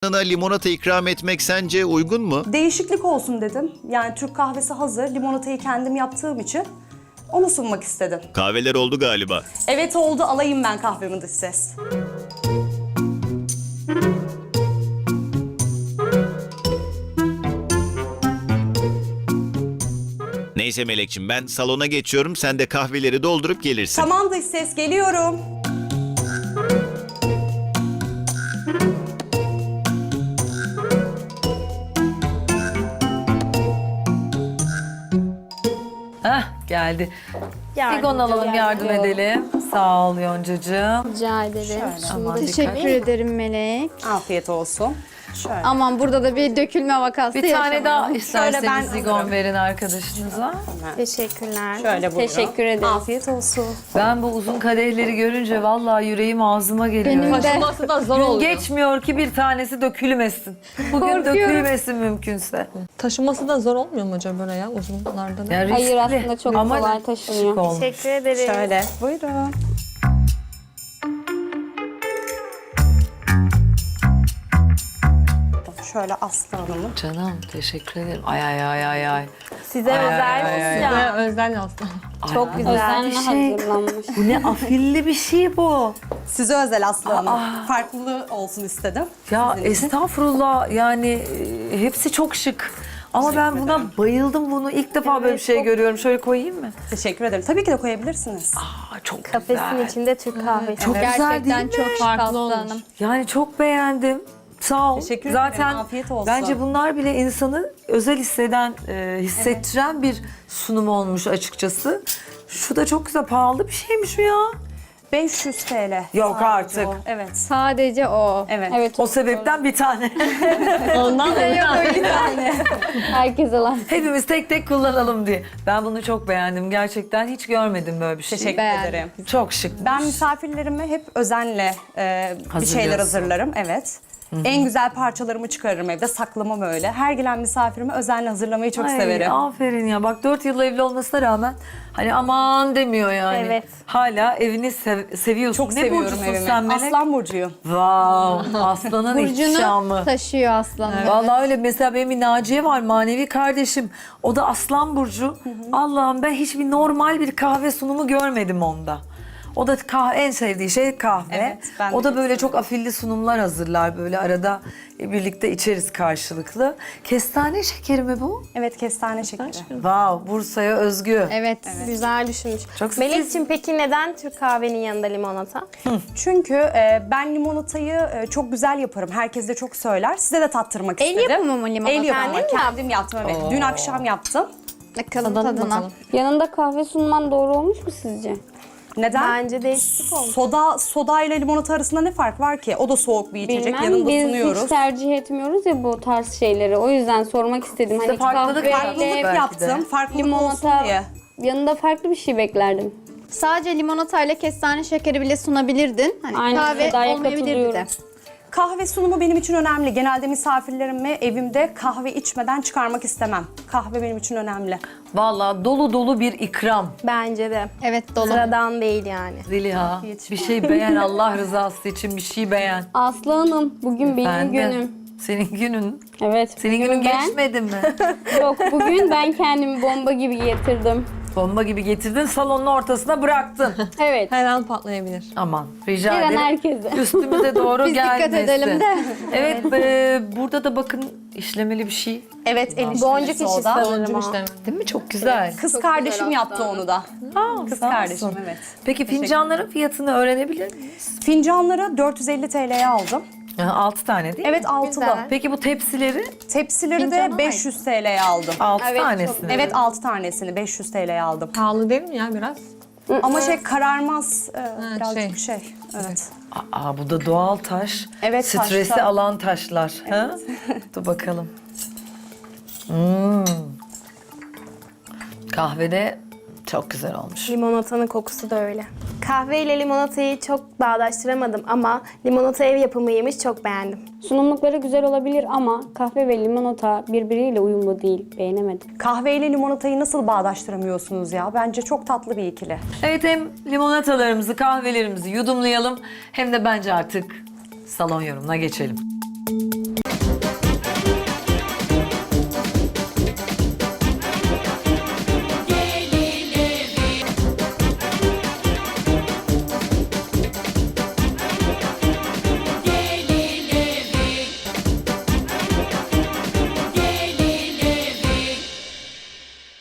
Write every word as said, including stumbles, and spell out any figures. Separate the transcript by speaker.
Speaker 1: yanına limonata ikram etmek sence uygun mu?
Speaker 2: Değişiklik olsun dedim. Yani Türk kahvesi hazır. Limonatayı kendim yaptığım için onu sunmak istedim.
Speaker 1: Kahveler oldu galiba.
Speaker 2: Evet oldu, alayım ben kahvemi dış ses.
Speaker 1: Neyse Melekçim, ben salona geçiyorum. Sen de kahveleri doldurup gelirsin.
Speaker 2: Tamam dış ses, geliyorum.
Speaker 3: Heh, geldi.
Speaker 4: Yardım
Speaker 3: Sigon alalım, yardım
Speaker 4: ediyorum.
Speaker 3: edelim. Sağ ol Yoncacığım.
Speaker 4: Rica ederim.
Speaker 3: Aman
Speaker 5: Teşekkür
Speaker 3: dikkat.
Speaker 5: ederim Melek.
Speaker 2: Afiyet olsun. Şöyle.
Speaker 5: Aman burada da bir dökülme vakası
Speaker 3: Bir tane
Speaker 5: yaşamayalım.
Speaker 3: daha isterseniz
Speaker 2: ben
Speaker 3: Sigon
Speaker 2: alırım.
Speaker 3: verin arkadaşınıza.
Speaker 4: Teşekkürler.
Speaker 2: Şöyle buyurun.
Speaker 4: Teşekkür ederim.
Speaker 2: Afiyet olsun.
Speaker 3: Ben bu uzun kadehleri görünce vallahi yüreğim ağzıma geliyor.
Speaker 5: Benim de.
Speaker 6: Taşıması da zor
Speaker 3: Gün
Speaker 6: oluyor.
Speaker 3: geçmiyor ki bir tanesi dökülmesin. Bugün
Speaker 5: Korkuyorum.
Speaker 3: dökülmesin mümkünse.
Speaker 6: Taşıması da zor olmuyor mu acaba böyle ya uzunlardan?
Speaker 3: Ya riskli.
Speaker 4: Hayır, aslında çok
Speaker 3: Ama
Speaker 4: kolay
Speaker 3: şık
Speaker 4: taşınıyor.
Speaker 3: olmuş.
Speaker 4: Teşekkür ederim.
Speaker 2: Şöyle. Buyurun. Şöyle Aslı Hanım'ın.
Speaker 3: Canım teşekkür ederim. Ay ay ay ay ay.
Speaker 4: Size
Speaker 3: Ay,
Speaker 4: özel
Speaker 3: ay, ay, ay.
Speaker 4: sıcak.
Speaker 6: Ve özel aslında.
Speaker 4: Çok güzel. Özenle
Speaker 3: bir şey.
Speaker 4: hazırlanmış.
Speaker 3: Bu ne afilli bir şey bu.
Speaker 2: Size özel Aslı Hanım. Farklı olsun istedim.
Speaker 3: Ya
Speaker 2: Sizin için.
Speaker 3: estağfurullah, yani e, hepsi çok şık. Ama ben buna bayıldım, bunu ilk defa böyle bir şey görüyorum. Şöyle koyayım mı?
Speaker 2: Teşekkür ederim. Tabii ki de koyabilirsiniz.
Speaker 3: Aa, çok
Speaker 4: Kafesin
Speaker 3: güzel.
Speaker 4: içinde Türk kahvesi.
Speaker 3: Çok güzel
Speaker 5: Gerçekten
Speaker 3: değil mi?
Speaker 5: çok şık
Speaker 6: Farklı
Speaker 5: Aslı
Speaker 6: olmuş.
Speaker 5: Hanım.
Speaker 3: Yani çok beğendim. Sağ ol.
Speaker 2: Teşekkür ederim,
Speaker 3: Zaten
Speaker 2: afiyet olsun.
Speaker 3: bence bunlar bile insanı özel hisseden, e, hissettiren bir sunum olmuş açıkçası. Şu da çok güzel, pahalı bir şeymiş bu ya.
Speaker 2: beş yüz TL.
Speaker 3: Yok
Speaker 2: Sadece
Speaker 3: artık.
Speaker 2: o. Evet.
Speaker 5: Sadece o.
Speaker 2: Evet.
Speaker 4: Evet.
Speaker 3: O sebepten bir tane.
Speaker 6: Ondan da
Speaker 4: Herkes alan.
Speaker 3: Hepimiz tek tek kullanalım diye. Ben bunu çok beğendim. Gerçekten hiç görmedim böyle bir şey.
Speaker 2: Teşekkür
Speaker 5: Beğendim.
Speaker 2: ederim.
Speaker 3: Çok şık.
Speaker 2: Ben misafirlerime hep özenle e, bir
Speaker 3: Hazırlıyorsun.
Speaker 2: şeyler hazırlarım. Evet. En güzel parçalarımı çıkarırım evde, saklamam öyle. Her gelen misafirime özenle hazırlamayı çok
Speaker 3: Ay,
Speaker 2: severim.
Speaker 3: aferin ya. Bak dört yıl evli olmasına rağmen hani aman demiyor yani.
Speaker 4: Evet.
Speaker 3: Hala evini sev- seviyorsun.
Speaker 2: Çok
Speaker 3: ne
Speaker 2: seviyorum
Speaker 3: burcusun
Speaker 2: evimi.
Speaker 3: sen Melek?
Speaker 2: Aslan burcuyum.
Speaker 3: Wow, aslanın ihtişamı.
Speaker 5: Burcunu taşıyor aslanım.
Speaker 3: Vallahi öyle. Mesela benim bir Naciye var, manevi kardeşim. O da Aslan burcu. Allah'ım, ben hiçbir normal bir kahve sunumu görmedim onda. O da kahve, en sevdiği şey kahve.
Speaker 2: Evet, ben de
Speaker 3: o da
Speaker 2: çok
Speaker 3: böyle çok afilli sunumlar hazırlar, böyle arada birlikte içeriz karşılıklı. Kestane şekeri mi bu?
Speaker 2: Evet, kestane şekeri.
Speaker 3: Wow, Bursa'ya özgü.
Speaker 5: Evet.
Speaker 4: Güzel düşünmüş.
Speaker 3: Çok
Speaker 4: Melek'ciğim, peki neden Türk kahvenin yanında limonata?
Speaker 2: Çünkü e, ben limonatayı e, çok güzel yaparım. Herkes de çok söyler. Size de tattırmak
Speaker 5: El
Speaker 2: istedim.
Speaker 5: yapımı mı limonata?
Speaker 2: El yapımı.
Speaker 4: Kendin mi
Speaker 2: Kendim yaptım, evet. Dün akşam yaptım.
Speaker 5: Bakalım
Speaker 6: Tadalım
Speaker 5: tadına.
Speaker 6: bakalım.
Speaker 4: Yanında kahve sunman doğru olmuş mu sizce?
Speaker 2: Neden?
Speaker 4: Bence değişiklik olmuş.
Speaker 2: Soda, soda ile limonata arasında ne fark var ki? O da soğuk bir içecek.
Speaker 4: Bilmem,
Speaker 2: Yanında
Speaker 4: biz
Speaker 2: sunuyoruz.
Speaker 4: hiç tercih etmiyoruz ya bu tarz şeyleri. O yüzden sormak istedim.
Speaker 3: İşte
Speaker 4: Hani
Speaker 3: farklılık
Speaker 4: kahveyle
Speaker 3: farklılık
Speaker 2: Farklılık
Speaker 3: belki
Speaker 2: yaptım.
Speaker 3: de.
Speaker 2: Farklılık olsun
Speaker 4: limonata
Speaker 2: diye.
Speaker 4: yanında farklı bir şey beklerdim.
Speaker 5: Sadece limonatayla kestane şekeri bile sunabilirdin. Hani
Speaker 4: Aynen,
Speaker 5: kahve
Speaker 4: Seda'ya
Speaker 5: olmayabilirdi de.
Speaker 4: katılıyorum.
Speaker 2: Kahve sunumu benim için önemli. Genelde misafirlerimi evimde kahve içmeden çıkarmak istemem. Kahve benim için önemli.
Speaker 3: Vallahi dolu dolu bir ikram.
Speaker 4: Bence de.
Speaker 5: Evet dolu.
Speaker 4: Sıradan değil yani.
Speaker 3: Zeliha, bir şey beğen, Allah rızası için bir şey beğen.
Speaker 4: Aslı Hanım, bugün benim
Speaker 3: Ben de.
Speaker 4: günüm.
Speaker 3: Senin günün.
Speaker 4: Evet.
Speaker 3: Senin
Speaker 4: bugün
Speaker 3: günün
Speaker 4: ben-
Speaker 3: geçmedi mi?
Speaker 4: Yok, bugün ben kendimi bomba gibi getirdim.
Speaker 3: Bomba gibi getirdin, salonun ortasına bıraktın.
Speaker 4: Evet.
Speaker 6: Her an patlayabilir.
Speaker 3: Aman, rica
Speaker 4: Her an
Speaker 3: ederim.
Speaker 4: herkese.
Speaker 3: Üstümüze doğru
Speaker 5: Biz dikkat
Speaker 3: gelmesin.
Speaker 5: edelim de.
Speaker 3: Evet, e, burada da bakın işlemeli bir şey.
Speaker 2: Evet, el işi
Speaker 4: Boncuk işi
Speaker 2: soda.
Speaker 4: sanırım
Speaker 6: Boncuk
Speaker 4: o.
Speaker 6: işlemi.
Speaker 3: Değil mi? Çok güzel.
Speaker 2: Kız kardeşim yaptı onu da.
Speaker 3: Aa,
Speaker 2: Kız
Speaker 3: sağ
Speaker 2: kardeşim,
Speaker 3: olsun.
Speaker 2: evet.
Speaker 3: Peki fincanların fiyatını öğrenebilir miyiz?
Speaker 2: Fincanları dört yüz elli TL'ye aldım.
Speaker 3: Yani altı tane değil mi?
Speaker 2: Evet, altılı.
Speaker 5: Güzel.
Speaker 3: Peki bu tepsileri
Speaker 2: Tepsileri
Speaker 5: Fincana
Speaker 2: de beş yüz TL'ye aldım.
Speaker 3: altı
Speaker 4: Evet,
Speaker 3: tanesini.
Speaker 2: Evet, altı tanesini beş yüz TL'ye aldım.
Speaker 6: Pahalı değil mi ya biraz?
Speaker 2: Ama şey kararmaz, e, birazcık
Speaker 6: şey.
Speaker 2: şey. Evet.
Speaker 3: Aa, bu da doğal taş.
Speaker 2: Evet,
Speaker 3: Stresi
Speaker 2: taşta.
Speaker 3: alan taşlar. Ha? Dur bakalım. Hmm. Kahvede çok güzel olmuş.
Speaker 7: Limonatanın kokusu da öyle. Kahve ile limonatayı çok bağdaştıramadım ama limonata ev yapımıymış, çok beğendim.
Speaker 4: Sunumlukları güzel olabilir ama kahve ve limonata birbiriyle uyumlu değil. Beğenemedim.
Speaker 2: Kahve ile limonatayı nasıl bağdaştıramıyorsunuz ya? Bence çok tatlı bir ikili.
Speaker 3: Evet, hem limonatalarımızı, kahvelerimizi yudumlayalım hem de bence artık salon yorumuna geçelim.